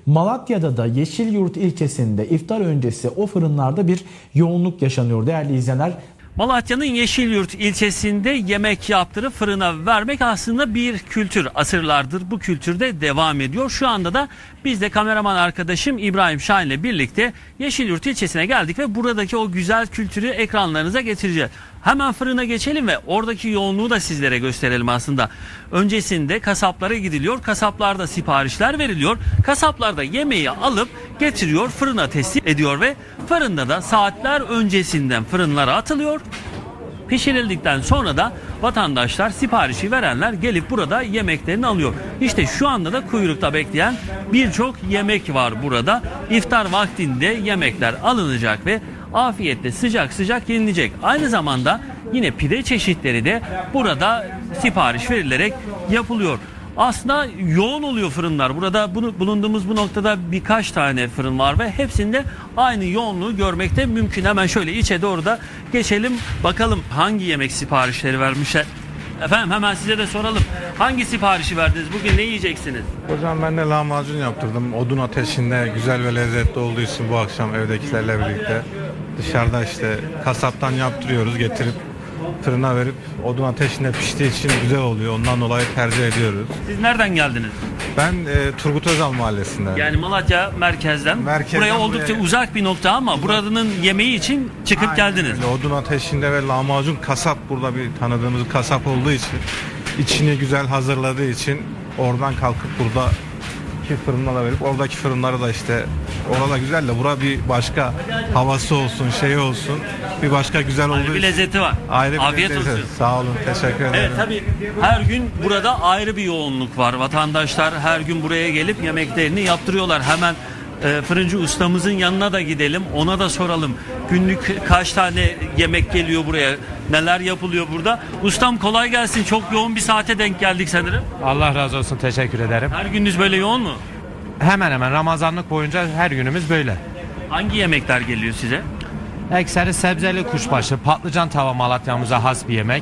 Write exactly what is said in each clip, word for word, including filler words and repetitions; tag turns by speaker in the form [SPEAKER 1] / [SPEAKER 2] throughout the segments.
[SPEAKER 1] Malatya'da da Yeşilyurt ilçesinde iftar öncesi o fırınlarda bir yoğunluk yaşanıyor değerli izleyenler.
[SPEAKER 2] Malatya'nın Yeşilyurt ilçesinde yemek yaptırıp fırına vermek aslında bir kültür. Asırlardır bu kültürde devam ediyor. Şu anda da biz de kameraman arkadaşım İbrahim Şahin ile birlikte Yeşilyurt ilçesine geldik ve buradaki o güzel kültürü ekranlarınıza getireceğiz. Hemen fırına geçelim ve oradaki yoğunluğu da sizlere gösterelim aslında. Öncesinde kasaplara gidiliyor, kasaplarda siparişler veriliyor. Kasaplar da yemeği alıp getiriyor, fırına teslim ediyor ve fırında da saatler öncesinden fırınlara atılıyor. Pişirildikten sonra da vatandaşlar, siparişi verenler gelip burada yemeklerini alıyor. İşte şu anda da kuyrukta bekleyen birçok yemek var burada. İftar vaktinde yemekler alınacak ve afiyetle sıcak sıcak yenilecek. Aynı zamanda yine pide çeşitleri de burada sipariş verilerek yapılıyor. Aslında yoğun oluyor fırınlar. Burada bunu, bulunduğumuz bu noktada birkaç tane fırın var ve hepsinde aynı yoğunluğu görmekte mümkün. Hemen şöyle içe doğru da geçelim. Bakalım hangi yemek siparişleri vermişler. Efendim hemen size de soralım. Hangi siparişi verdiniz? Bugün ne yiyeceksiniz?
[SPEAKER 3] Hocam ben de lahmacun yaptırdım. Odun ateşinde güzel ve lezzetli olduğu için bu akşam evdekilerle birlikte dışarıda işte kasaptan yaptırıyoruz, getirip fırına verip odun ateşinde piştiği için güzel oluyor. Ondan dolayı tercih ediyoruz.
[SPEAKER 2] Siz nereden geldiniz?
[SPEAKER 3] Ben e, Turgut Özal mahallesinden.
[SPEAKER 2] Yani Malatya merkezden.
[SPEAKER 3] Merkezden
[SPEAKER 2] buraya oldukça
[SPEAKER 3] buraya...
[SPEAKER 2] uzak bir nokta ama buranın yemeği için çıkıp
[SPEAKER 3] Aynen
[SPEAKER 2] geldiniz.
[SPEAKER 3] Öyle. Odun ateşinde ve lahmacun kasap, burada bir tanıdığımız kasap olduğu için, içini güzel hazırladığı için oradan kalkıp burada ki fırınlara verip oradaki fırınları da işte orada güzel de bura bir başka havası olsun, şey olsun, bir başka güzel olduğu
[SPEAKER 2] Ayrı bir lezzeti var.
[SPEAKER 3] Ayrı bir
[SPEAKER 2] Afiyet
[SPEAKER 3] lezzeti.
[SPEAKER 2] olsun.
[SPEAKER 3] Sağ olun, teşekkür ederim.
[SPEAKER 2] Evet tabii her gün burada ayrı bir yoğunluk var. Vatandaşlar her gün buraya gelip yemeklerini yaptırıyorlar. Hemen e, fırıncı ustamızın yanına da gidelim. Ona da soralım. Günlük kaç tane yemek geliyor buraya? Neler yapılıyor burada? Ustam kolay gelsin. Çok yoğun bir saate denk geldik sanırım.
[SPEAKER 4] Allah razı olsun, teşekkür ederim.
[SPEAKER 2] Her gününüz böyle yoğun mu?
[SPEAKER 4] Hemen hemen Ramazanlık boyunca her günümüz böyle.
[SPEAKER 2] Hangi yemekler geliyor size?
[SPEAKER 4] Ekseri sebzeli kuşbaşı, patlıcan tava Malatya'mıza has bir yemek.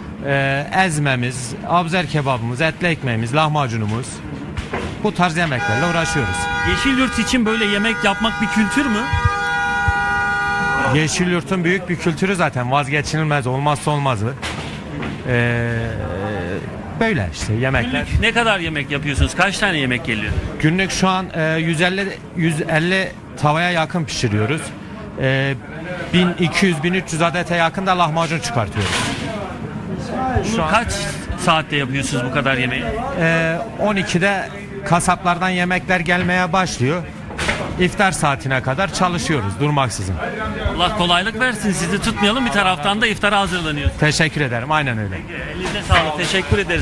[SPEAKER 4] Ee, ezmemiz, abzer kebabımız, etli ekmeğimiz, lahmacunumuz. Bu tarz yemeklerle uğraşıyoruz.
[SPEAKER 2] Yeşilyurt için böyle yemek yapmak bir kültür mü?
[SPEAKER 4] Yeşilyurt'un büyük bir kültürü zaten, vazgeçilmez, olmazsa olmazı. Ee, böyle işte yemekler.
[SPEAKER 2] Günlük ne kadar yemek yapıyorsunuz? Kaç tane yemek geliyor?
[SPEAKER 4] Günlük şu an e, yüz elli yüz elli tavaya yakın pişiriyoruz. E, bin iki yüz bin üç yüz adete yakın da lahmacun çıkartıyoruz.
[SPEAKER 2] Bunu
[SPEAKER 4] an-
[SPEAKER 2] kaç saatte yapıyorsunuz bu kadar yemeği?
[SPEAKER 4] E, on ikide kasaplardan yemekler gelmeye başlıyor. İftar saatine kadar çalışıyoruz durmaksızın.
[SPEAKER 2] Allah kolaylık versin. Sizi tutmayalım. Bir taraftan da iftara hazırlanıyoruz.
[SPEAKER 4] Teşekkür ederim. Aynen öyle.
[SPEAKER 2] Elinize sağlık. Teşekkür ederiz.